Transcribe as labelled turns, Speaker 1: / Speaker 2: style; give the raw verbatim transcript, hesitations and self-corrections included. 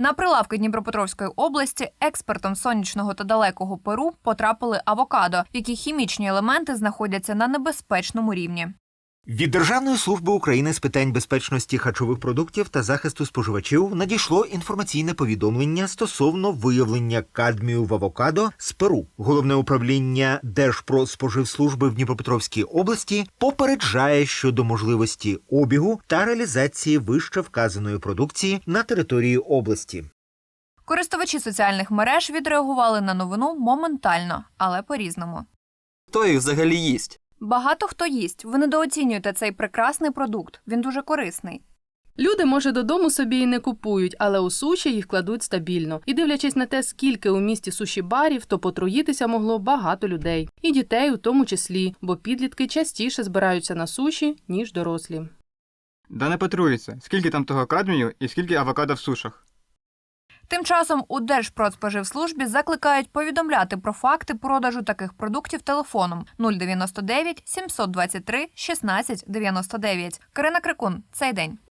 Speaker 1: На прилавки Дніпропетровської області експортом сонячного та далекого Перу потрапили авокадо, в яких хімічні елементи знаходяться на небезпечному рівні.
Speaker 2: Від Державної служби України з питань безпечності харчових продуктів та захисту споживачів надійшло інформаційне повідомлення стосовно виявлення кадмію в авокадо з Перу. Головне управління Держпродспоживслужби в Дніпропетровській області попереджає щодо можливості обігу та реалізації вище вказаної продукції на території області.
Speaker 1: Користувачі соціальних мереж відреагували на новину моментально, але по-різному.
Speaker 3: Хто їх взагалі їсть?
Speaker 1: Багато хто їсть. Ви недооцінюєте цей прекрасний продукт. Він дуже корисний.
Speaker 4: Люди, може, додому собі і не купують, але у суші їх кладуть стабільно. І дивлячись на те, скільки у місті суші-барів, то потруїтися могло багато людей. І дітей у тому числі, бо підлітки частіше збираються на суші, ніж дорослі.
Speaker 5: Да не потруїться. Скільки там того кадмію і скільки авокадо в сушах?
Speaker 1: Тим часом у Держпродспоживслужбі закликають повідомляти про факти продажу таких продуктів телефоном нуль дев'яносто дев'ять сімсот двадцять три шістнадцять дев'яносто дев'ять. Карина Крикун. Цей день.